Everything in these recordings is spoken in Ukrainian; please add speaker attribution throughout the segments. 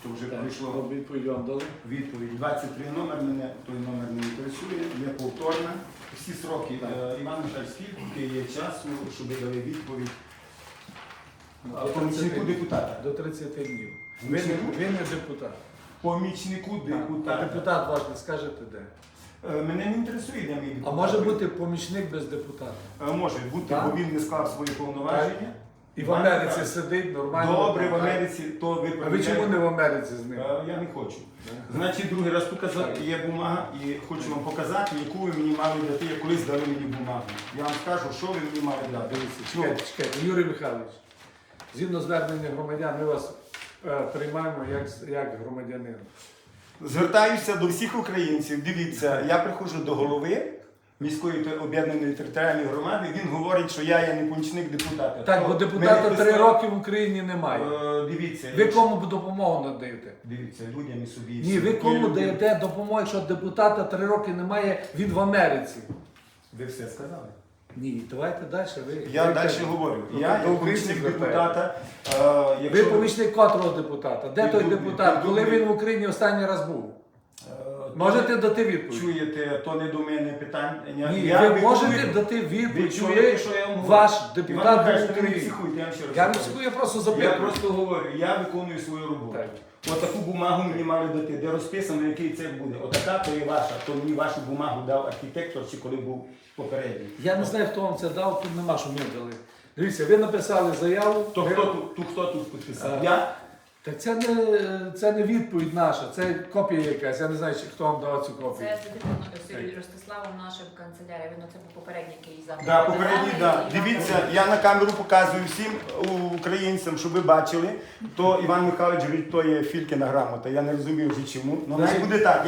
Speaker 1: то вже
Speaker 2: Так,
Speaker 1: прийшло
Speaker 2: відповідь вам дали?
Speaker 1: відповідь. 23 номер, мене той номер не інтересує, є повторна. Всі сроки, Іван Михайлович, скільки є часу, щоб дали відповідь помічнику депутата?
Speaker 2: До 30 днів. Ви
Speaker 1: Помічнику?
Speaker 2: не депутат.
Speaker 1: Помічнику
Speaker 2: А
Speaker 1: депутата.
Speaker 2: депутат ваш не скажете де?
Speaker 1: Мене не інтересує, де мій депутат.
Speaker 2: А може бути помічник без депутата?
Speaker 1: Може бути,
Speaker 2: Так.
Speaker 1: бо він не склав свої повноваження.
Speaker 2: І в Америці сидить нормально.
Speaker 1: Добре, в
Speaker 2: так?
Speaker 1: Америці, то ви
Speaker 2: А ви чому не в Америці з ним?
Speaker 1: Я не хочу. Значить, другий раз показати, є бумага, і хочу вам показати, яку ви мені мали дати, як колись дали мені бумагу. Я вам скажу, що ви мені мали дати.
Speaker 2: Чекайте, Юрій Михайлович, згідно звернення громадян, ми вас приймаємо як громадянина.
Speaker 1: Звертаюся до всіх українців. Дивіться, я приходжу до голови міської об'єднаної територіальної громади, він говорить, що я є не помічник депутата.
Speaker 2: Так, бо депутата 3 роки в Україні немає.
Speaker 1: Дивіться.
Speaker 2: Ви кому допомогу надаєте?
Speaker 1: Дивіться, людям і собі.
Speaker 2: Ні, ви кому даєте допомогу, якщо депутата 3 роки немає, він в Америці?
Speaker 1: Ви все сказали.
Speaker 2: Ні, давайте далі.
Speaker 1: Я далі говорю. Я
Speaker 2: до
Speaker 1: як
Speaker 2: українців
Speaker 1: помічник
Speaker 2: звертаєте.
Speaker 1: депутата.
Speaker 2: Ви помічник котрого депутата? Де той
Speaker 1: Піддубний,
Speaker 2: депутат? Коли
Speaker 1: Піддубний.
Speaker 2: він в Україні останній раз був? Можете дати відповідь?
Speaker 1: Чуєте, то не до мене питання.
Speaker 2: Ні,
Speaker 1: Я
Speaker 2: ви
Speaker 1: виконую-
Speaker 2: можете дати
Speaker 1: Ви
Speaker 2: відповідь,
Speaker 1: чуєте, що я вам говорю?
Speaker 2: ваш
Speaker 1: Іван
Speaker 2: депутат
Speaker 1: Михайлович,
Speaker 2: був в
Speaker 1: ви не
Speaker 2: Україні.
Speaker 1: психуйте, я вам ще раз
Speaker 2: Я не
Speaker 1: кажу.
Speaker 2: психую, я просто
Speaker 1: Я
Speaker 2: запитую.
Speaker 1: просто говорю, я виконую свою роботу.
Speaker 2: Так.
Speaker 1: Отаку бумагу мені мали дати, де розписано, який це буде. Отака то є ваша, то мені вашу бумагу дав архітектор, чи коли був попередній.
Speaker 2: Я не знаю, хто вам це дав, тут нема, що ми дали. Дивіться, ви написали заяву.
Speaker 1: То
Speaker 2: ви-
Speaker 1: хто тут підписав?
Speaker 2: А.
Speaker 1: Я?
Speaker 2: Так це не відповідь наша, це копія якась. Я не знаю, хто вам дав цю копію.
Speaker 3: Це запитано Ростиславом нашим канцелярією, він це був попередній який запит.
Speaker 1: Да, попередній, да. Дивіться, я на камеру показую всім українцям, щоб ви бачили, то Іван Михайлович говорить, то є Филькіна грамота. Я не розумію вже чому. Ну, най буде так.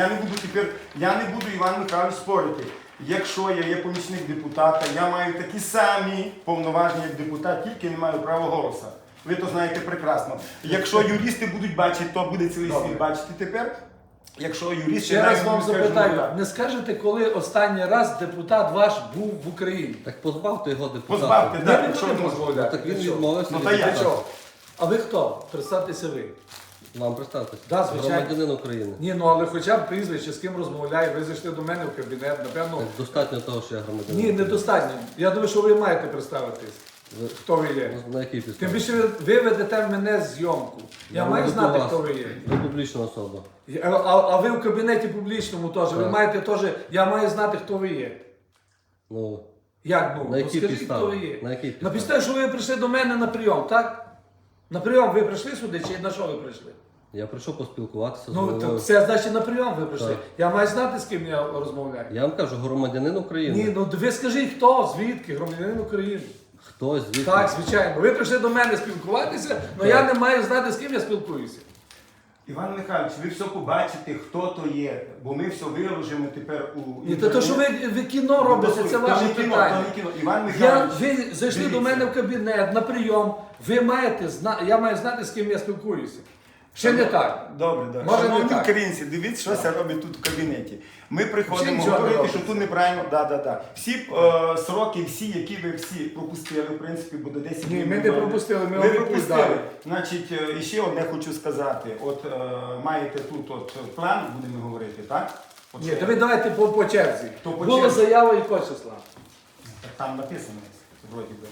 Speaker 1: Я не буду Іван Михайлович спорити. Якщо я є помічник депутата, я маю такі самі повноваження, як депутат, тільки не маю права голосу. Ви то знаєте прекрасно. Якщо юристи будуть бачити, то буде цілий
Speaker 2: Добре.
Speaker 1: світ бачити тепер. Якщо юристи
Speaker 2: Ще раз вам
Speaker 1: скажуть,
Speaker 2: запитаю,
Speaker 1: так.
Speaker 2: не скажете, коли останній раз депутат ваш був в Україні?
Speaker 4: Так позбавте його депутата.
Speaker 1: Позбавте,
Speaker 2: Ми
Speaker 1: так,
Speaker 2: не
Speaker 1: якщо
Speaker 2: будемо
Speaker 1: ви
Speaker 2: дозволяти.
Speaker 4: Так він
Speaker 2: Для чого?
Speaker 4: відмовився
Speaker 1: Ну,
Speaker 4: від
Speaker 1: та я
Speaker 2: Для
Speaker 4: депутата.
Speaker 2: чого? А ви хто? Представтеся ви.
Speaker 4: Вам представтеся.
Speaker 2: Да, звичайно.
Speaker 4: Громадянин України.
Speaker 2: Ні, ну але хоча б прізвище, з ким розмовляє, ви зайшли до мене в кабінет, напевно.
Speaker 4: Так достатньо того, що я громадянин.
Speaker 2: Ні, недостатньо. Я думаю, що ви маєте представитись,
Speaker 4: Ви-
Speaker 2: хто ви є.
Speaker 4: На якій
Speaker 2: Тим
Speaker 4: підставі?
Speaker 2: більше ви ведете мене зйомку. Я маю
Speaker 4: веду
Speaker 2: знати,
Speaker 4: вас.
Speaker 2: хто ви є.
Speaker 4: Ви публічна особа.
Speaker 2: А ви в кабінеті публічному теж. Ви
Speaker 4: Так.
Speaker 2: маєте теж. Я маю знати, хто ви є.
Speaker 4: Ну,
Speaker 2: Як ну?
Speaker 4: на
Speaker 2: Ну,
Speaker 4: якій
Speaker 2: скажіть,
Speaker 4: підставі?
Speaker 2: хто ви є.
Speaker 4: На якій
Speaker 2: На
Speaker 4: підставі?
Speaker 2: підставі, що ви прийшли до мене на прийом, так? На прийом ви прийшли сюди, чи на що ви прийшли?
Speaker 4: Я прийшов поспілкуватися з
Speaker 2: Ну,
Speaker 4: головою.
Speaker 2: то це значить на прийом ви прийшли.
Speaker 4: Так.
Speaker 2: Я маю знати, з ким я розмовляю.
Speaker 4: Я вам кажу, громадянин України.
Speaker 2: Ні, ну ви скажіть, хто, звідки, громадянин України.
Speaker 4: Хтось звідки?
Speaker 2: Так, звичайно. Ви прийшли до мене спілкуватися, але я не маю знати, з ким я спілкуюся.
Speaker 1: Іван Михайлович, ви все побачите, хто то є, бо ми все виложимо тепер у
Speaker 2: Ні, то що ви кіно робите, це ваше питання.
Speaker 1: Іван Михайлович,
Speaker 2: Ви зайшли
Speaker 1: дивіться.
Speaker 2: до мене в кабінет на прийом, ви маєте я маю знати, з ким я спілкуюся. Ще не так.
Speaker 1: Добре, добре.
Speaker 2: Може, не
Speaker 1: Шановні
Speaker 2: так.
Speaker 1: українці, дивіться, що це робить тут в кабінеті. Ми приходимо
Speaker 2: Всі нічого не
Speaker 1: говорити,
Speaker 2: робиться.
Speaker 1: що тут неправильно. Да. Всі сроки, які ви всі пропустили, в принципі, буде 10
Speaker 2: Ні,
Speaker 1: днів.
Speaker 2: ми не пропустили, ми
Speaker 1: Ви
Speaker 2: вам
Speaker 1: пропустили.
Speaker 2: відповідали.
Speaker 1: Значить, і ще одне хочу сказати. От маєте тут план, будемо говорити, так? От
Speaker 2: Ні,
Speaker 1: що-
Speaker 2: то ви давайте по черзі.
Speaker 1: То по
Speaker 2: Була
Speaker 1: черзі.
Speaker 2: заява якого числа?
Speaker 1: Так там написано, вроді би.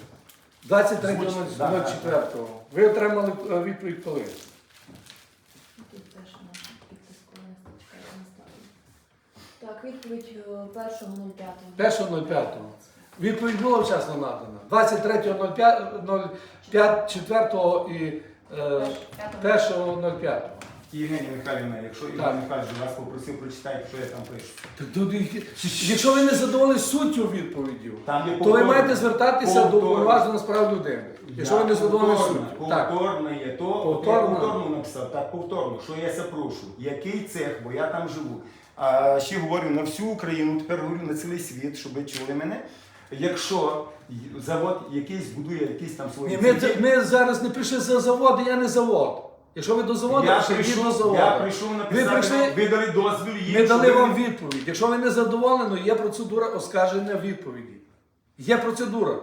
Speaker 2: 23.04. Ви отримали відповідь коли?
Speaker 3: Тут теж наш підпис, коли не чекає, я не знаю. Так, відповідь 1.05.
Speaker 2: 1.05. Відповідь була вчасно надана. 23.04 і 1.05.
Speaker 1: Євгенія Михайлівна, якщо Іван Михайлович вас попросив, прочитайте, що я там пишу.
Speaker 2: Так, якщо ви не задоволені суттю відповіді,
Speaker 1: Там є
Speaker 2: то ви
Speaker 1: повторно.
Speaker 2: маєте звертатися до
Speaker 1: Повторно.
Speaker 2: уповноваженого з прав людини. Якщо ви не задоволені суттю. Так.
Speaker 1: Повторно є то,
Speaker 2: Повторно.
Speaker 1: я повторно написав, так, повторно, що я запрошу, який цех, бо я там живу. А ще говорю на всю Україну, тепер говорю на цілий світ, щоб ви чули мене. Якщо завод якийсь будує якісь там свої
Speaker 2: Ні,
Speaker 1: цехи,
Speaker 2: ми зараз не прийшли за завод, я не завод. Якщо ви до заводу,
Speaker 1: я
Speaker 2: прийшли, йдіть до
Speaker 1: прийшов
Speaker 2: заводу.
Speaker 1: написати,
Speaker 2: прийшли-
Speaker 1: ви дали дозвіл їм,
Speaker 2: Ми
Speaker 1: щоб
Speaker 2: дали
Speaker 1: ви-
Speaker 2: вам відповідь. Якщо ви не задоволені, є процедура оскарження відповіді. Є процедура.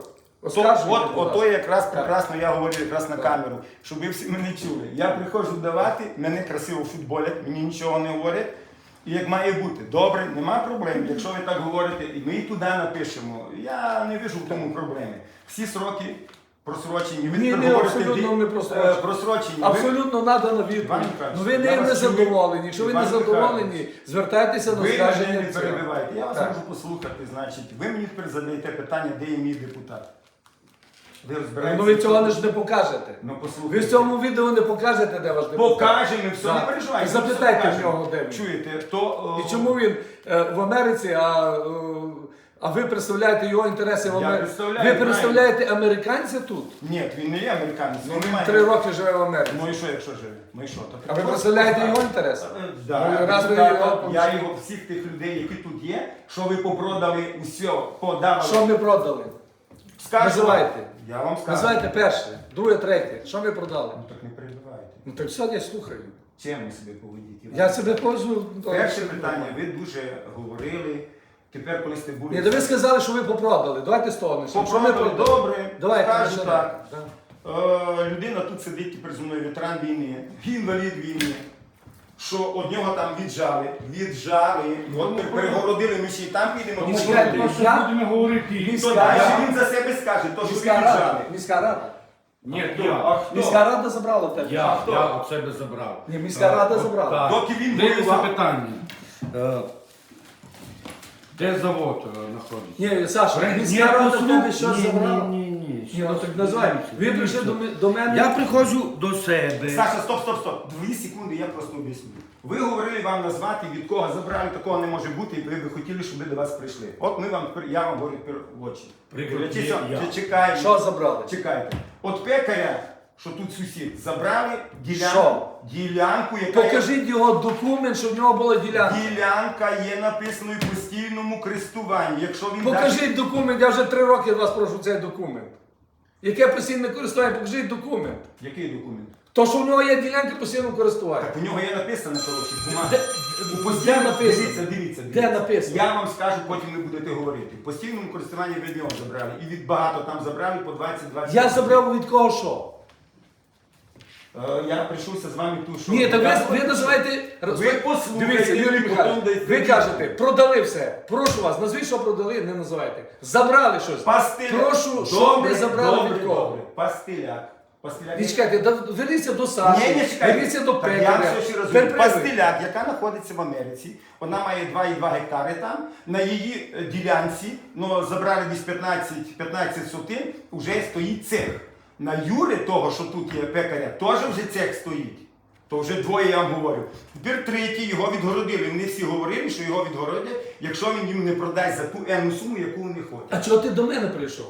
Speaker 2: Оскаржуйте, будь
Speaker 1: Ото
Speaker 2: ласка.
Speaker 1: якраз прекрасно я говорю якраз на камеру, щоб ви всі мене чули. Я приходжу давати, мене красиво футболять, мені нічого не говорять. І як має бути. Добре, нема проблем. Якщо ви так говорите, і ми і туди напишемо. Я не вижу в тому проблеми. Всі сроки просрочені. Ви
Speaker 2: Ні,
Speaker 1: тепер
Speaker 2: ні,
Speaker 1: говорите,
Speaker 2: абсолютно не просрочені.
Speaker 1: просрочені. Ви-
Speaker 2: Абсолютно надана
Speaker 1: Іван
Speaker 2: відповідь.
Speaker 1: Михайлович,
Speaker 2: Ну ви
Speaker 1: я
Speaker 2: не
Speaker 1: вас
Speaker 2: задоволені. Якщо ви не
Speaker 1: Іван
Speaker 2: задоволені,
Speaker 1: Михайлович,
Speaker 2: звертайтеся на
Speaker 1: Ви мене
Speaker 2: скарження.
Speaker 1: не
Speaker 2: цього.
Speaker 1: перебивайте. Я вас
Speaker 2: Так.
Speaker 1: можу послухати, значить. Ви мені тепер задаєте питання, де є мій депутат. Ви розбираєтеся?
Speaker 2: Ну ви цього ж не покажете.
Speaker 1: Ну,
Speaker 2: Ви
Speaker 1: послухайте.
Speaker 2: в цьому відео не покажете, де ваш депутат.
Speaker 1: Покажемо, все,
Speaker 2: Так.
Speaker 1: не переживайте.
Speaker 2: Запитайте
Speaker 1: все
Speaker 2: в
Speaker 1: покажемо.
Speaker 2: нього, де він.
Speaker 1: Чуєте, то...
Speaker 2: І чому він в Америці, а ви представляєте його інтереси в
Speaker 1: Я
Speaker 2: Америці?
Speaker 1: представляю,
Speaker 2: Ви представляєте американця тут?
Speaker 1: Ні, він не є американець.
Speaker 2: Ну,
Speaker 1: він
Speaker 2: він
Speaker 1: немає.
Speaker 2: 3 роки живе в Америці.
Speaker 1: Ну і що, якщо живе? Ну і що? То
Speaker 2: А ви
Speaker 1: просто
Speaker 2: представляєте
Speaker 1: так.
Speaker 2: його інтереси?
Speaker 1: Да,
Speaker 2: Ну, раз ви
Speaker 1: так,
Speaker 2: його
Speaker 1: я його всіх тих людей, які тут є, що ви попродали усе, подавали.
Speaker 2: Що ми продали?
Speaker 1: Скажу,
Speaker 2: Називайте.
Speaker 1: Я вам скажу.
Speaker 2: Називайте перше, друге, третє. Що ми продали?
Speaker 1: Ну так не перебивайте.
Speaker 2: Ну так все, я слухаю.
Speaker 1: Чим ви себе поведіть? Іван?
Speaker 2: Я себе поводжу.
Speaker 1: Перше питання, ви дуже говорили. Тепер, коли сте були...
Speaker 2: Ні, то ви сказали, що ви попродали. Давайте з того почнемо. Що ми
Speaker 1: Попродали,
Speaker 2: продали?
Speaker 1: добре,
Speaker 2: Давайте,
Speaker 1: скажу
Speaker 2: починаємо.
Speaker 1: так.
Speaker 2: Да.
Speaker 1: Людина тут сидить тепер зі мною, ветеран війни, інвалід війни, що од нього там віджали, от перегородили, ми ще й там підемо.
Speaker 2: Тому
Speaker 1: чи
Speaker 2: чекайте,
Speaker 1: що?
Speaker 2: я-
Speaker 5: будемо говорити.
Speaker 1: То далі він за себе скаже, то що ви
Speaker 2: Міська рада.
Speaker 1: віджали.
Speaker 2: Міська рада.
Speaker 5: Ні,
Speaker 1: А
Speaker 5: я.
Speaker 1: хто?
Speaker 2: Міська рада забрала в тебе.
Speaker 5: Я
Speaker 1: хто?
Speaker 5: от себе забрав.
Speaker 2: Ні, міська рада забрала.
Speaker 5: Так.
Speaker 1: Доки він
Speaker 5: Дивіться
Speaker 1: воював.
Speaker 5: питання. Де завод знаходиться?
Speaker 2: Ні, Саша, міська рада в тебе щось забрала.
Speaker 5: Ні.
Speaker 2: Ні, ну так називай. Ви прийшли до мене.
Speaker 5: Я приходжу до себе.
Speaker 1: Саша, стоп. 2 секунди, я просто об'ясню. Ви говорили вам назвати, від кого забрали, такого не може бути, і ви б хотіли, щоб ми до вас прийшли. От я вам говорю тепер в очі.
Speaker 5: Прикрутіть я.
Speaker 1: Чекайте.
Speaker 2: Що забрали?
Speaker 1: Чекайте. От пекаря, що тут сусід, забрали
Speaker 2: Що?
Speaker 1: ділянку, яка
Speaker 2: Покажіть його документ, що в нього була ділянка.
Speaker 1: Ділянка є написаною в постійному користуванні. Якщо він
Speaker 2: Покажіть документ, я вже 3 роки вас прошу цей документ. Яке постійне користування, покажіть документ.
Speaker 1: Який документ?
Speaker 2: То, що в нього є ділянка постійного користування.
Speaker 1: Так у нього є написано, коротше, бумага.
Speaker 2: Де, де написано?
Speaker 1: Дивіться.
Speaker 2: Де написано?
Speaker 1: Я вам скажу, потім ви будете говорити. В постійному користуванні ви нього забрали. І від багато там забрали по 20-20.
Speaker 2: Я забрав від кого що?
Speaker 1: Я прийшовся з вами тут, що...
Speaker 2: Ні, так ви називаєте...
Speaker 1: Ви послухайте,
Speaker 2: Дивіться, Юрій
Speaker 1: потім
Speaker 2: Михайлович,
Speaker 1: дайте
Speaker 2: ви
Speaker 1: відповідь.
Speaker 2: кажете, продали все. Прошу вас, назвіть, що продали, не називайте. Забрали щось.
Speaker 1: Пастиляк.
Speaker 2: Прошу, що ви забрали від кого?
Speaker 1: Добре. Пастиляк.
Speaker 2: Ні, чекайте, верніться до Саші,
Speaker 1: Ні, чекайте.
Speaker 2: верніться до
Speaker 1: Так, я
Speaker 2: пекаря.
Speaker 1: вам все ще розумію.
Speaker 2: Тепер привид.
Speaker 1: Пастиляк, яка знаходиться в Америці, вона має 2,2 гектари там. На її ділянці, ну, забрали десь 15 сотин, вже стоїть цех. На Юри, того, що тут є пекаря, теж вже цех стоїть. То вже двоє я вам говорю. Тепер третій, його відгородили. Вони всі говорили, що його відгородять, якщо він їм не продасть за ту енну суму, яку вони хочуть.
Speaker 2: А чого ти до мене прийшов?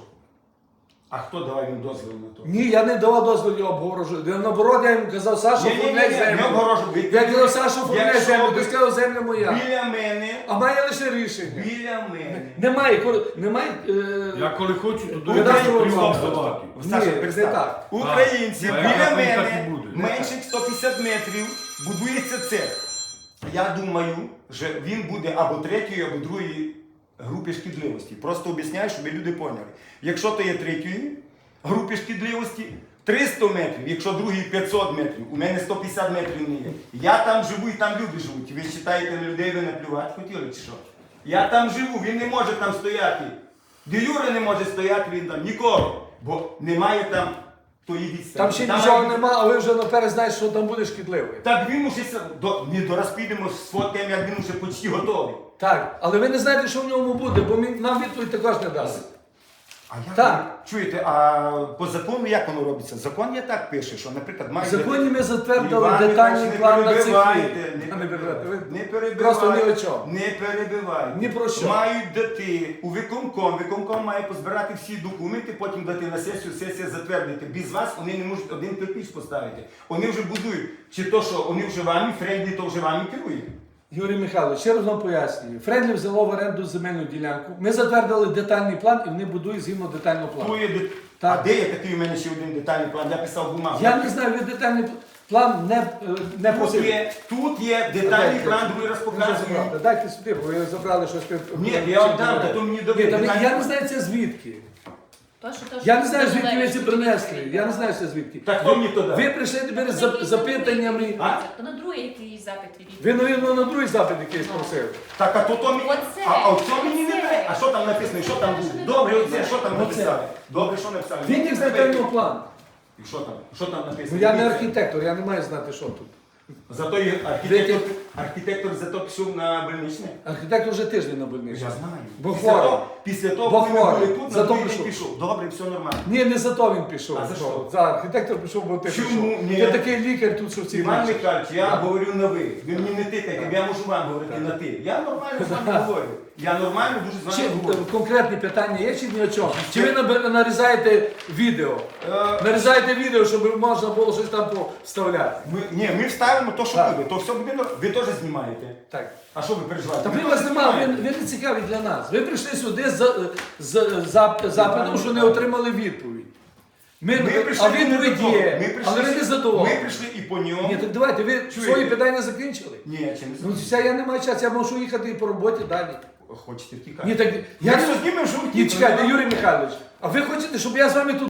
Speaker 1: А хто давав їм дозвіл на то?
Speaker 2: Ні, я не давав дозволу обгорожувати. Наоборот, я йому казав, Саша, оформляй
Speaker 1: не
Speaker 2: землю.
Speaker 1: обгорожуй.
Speaker 2: Я казав, Саша, оформляй
Speaker 1: Якщо
Speaker 2: землю,
Speaker 1: ви-
Speaker 2: ти сказав, земля моя.
Speaker 1: Біля мене,
Speaker 2: А має лише рішення.
Speaker 1: біля мене.
Speaker 2: Немає.
Speaker 5: Я коли хочу, то
Speaker 2: Ну,
Speaker 5: до
Speaker 2: дай його
Speaker 5: приймав
Speaker 2: стоп,
Speaker 5: здавати.
Speaker 1: Саша,
Speaker 2: Ні,
Speaker 1: представ.
Speaker 2: не так.
Speaker 1: Українці,
Speaker 5: Так.
Speaker 1: біля
Speaker 5: Так,
Speaker 1: мене,
Speaker 5: так і буде.
Speaker 1: менше 150 метрів, будується цех. Я думаю, що він буде або третьої, або другої групи шкідливості. Просто об'ясняю, щоб люди поняли. Якщо то є третьої групи шкідливості, 300 метрів, якщо другий 500 метрів, у мене 150 метрів не є. Я там живу і там люди живуть. Ви вважаєте, на людей ви наплювати хотіли чи що? Я там живу, він не може там стояти. Де Юра не може стояти, він там нікого. Бо немає там тої відстані.
Speaker 2: Там ще нічого нема, а ви вже наперед знаєте, що там буде шкідливий.
Speaker 1: Так він уже не дораз підемо з фотем, як він уже почти готовий.
Speaker 2: Так, але ви не знаєте, що в ньому буде, бо нам відповідь також не дасть.
Speaker 1: А як
Speaker 2: Так.
Speaker 1: Чуєте, а по закону як воно робиться? Закон я так пише, що, наприклад,
Speaker 2: В
Speaker 1: має...
Speaker 2: законі ми затвердили
Speaker 1: Іван
Speaker 2: детальний
Speaker 1: Іванович,
Speaker 2: план на цих
Speaker 1: перебивайте,
Speaker 2: рік.
Speaker 1: не перебивайте. Не
Speaker 2: Просто ні о
Speaker 1: перебивайте.
Speaker 2: чому.
Speaker 1: Не перебивайте.
Speaker 2: Ні про що.
Speaker 1: Мають дати у виконком. Виконком має позбирати всі документи, потім дати на сесію, сесія затвердити. Без вас вони не можуть один кирпич поставити. Вони вже будують. Чи то, що вони вже вами, Френдлі, то вже вами керує.
Speaker 2: Юрій Михайлович, ще раз вам пояснюю. Френдлі взяло в оренду земельну ділянку. Ми затвердили детальний план і вони будують згідно детального плану.
Speaker 1: А де є такий у мене ще один детальний план? Я писав бумагу.
Speaker 2: Я не знаю, ви детальний план не
Speaker 1: Тут
Speaker 2: просили.
Speaker 1: тут є детальний план, другий раз показую.
Speaker 2: Дайте сюди, бо ви забрали щось.
Speaker 1: Ні, я вам дам, та то мені
Speaker 2: Ні,
Speaker 1: добре.
Speaker 2: я не знаю це звідки. Я не знаю, звідки ви це принесли. Я не знаю, що звідки.
Speaker 1: Так хто мені то дав?
Speaker 2: Ви прийшли тепер з запитаннями.
Speaker 3: То на другий якийсь запит від.
Speaker 2: Ви, навірно, на другий запит якийсь просили.
Speaker 1: Так, а то мені.
Speaker 3: Оце,
Speaker 1: А оце мені не
Speaker 3: оце.
Speaker 1: треба. А що там написано? Що там
Speaker 3: Це
Speaker 1: буде?
Speaker 3: не
Speaker 1: Добре,
Speaker 3: написано.
Speaker 1: оце, що там
Speaker 2: Оце.
Speaker 1: написали? Добре, що написали?
Speaker 2: Він з детального плану.
Speaker 1: І що там? Що там написано?
Speaker 2: Ну я не
Speaker 1: Дивіться.
Speaker 2: архітектор, я не маю знати, що тут.
Speaker 1: Зато і архітектор зато пішов на больничне.
Speaker 2: Архітектор вже тиждень на больниці.
Speaker 1: Я знаю.
Speaker 2: Бо
Speaker 1: Після
Speaker 2: хворий.
Speaker 1: того- Після того,
Speaker 2: Бо
Speaker 1: коли ми
Speaker 2: хворий.
Speaker 1: були тут, на
Speaker 2: Зато
Speaker 1: другий
Speaker 2: пішов.
Speaker 1: день пішов. Добре, все нормально.
Speaker 2: Ні, не за то він пішов.
Speaker 1: А за що?
Speaker 2: За архітектор пішов, бо ти
Speaker 1: Чому?
Speaker 2: пішов.
Speaker 1: Ні.
Speaker 2: Ти такий лікар тут, що всі
Speaker 1: Іван
Speaker 2: бачать.
Speaker 1: Михайлович, я
Speaker 2: Так.
Speaker 1: говорю на ви. Ви мені не тикайте, я можу вам говорити на ти. Я нормально з вами говорю. Я нормально дуже з
Speaker 2: Чи
Speaker 1: вами говорю.
Speaker 2: конкретні питання є чи ні о чому? Чи ви нарізаєте відео?
Speaker 1: Е,
Speaker 2: Нарізаєте відео, щоб можна було щось там вставляти.
Speaker 1: ми вставимо то, що
Speaker 2: Так.
Speaker 1: буде. То все буде. Ви теж знімаєте.
Speaker 2: Так.
Speaker 1: А що ви переживаєте?
Speaker 2: Та
Speaker 1: Ви
Speaker 2: ви вас
Speaker 1: теж
Speaker 2: немає,
Speaker 1: знімаєте.
Speaker 2: ви не цікаві для нас. Ви прийшли сюди з запитом, що не отримали відповідь.
Speaker 1: Ми прийшли
Speaker 2: А відповідь
Speaker 1: не до того.
Speaker 2: є,
Speaker 1: Ми прийшли,
Speaker 2: але ви не задоволені.
Speaker 1: Ми прийшли і по ньому.
Speaker 2: Ні, так давайте, ви свої питання закінчили.
Speaker 1: Ні, чи не
Speaker 2: Ну, все, я не маю часу, я можу їхати і по роботі далі.
Speaker 1: хочете втікати?
Speaker 2: Ні, так,
Speaker 1: Я
Speaker 2: я
Speaker 1: все знімемо, що
Speaker 2: Ні,
Speaker 1: втікли.
Speaker 2: чекайте, Юрій Михайлович, а ви хочете, щоб я з вами тут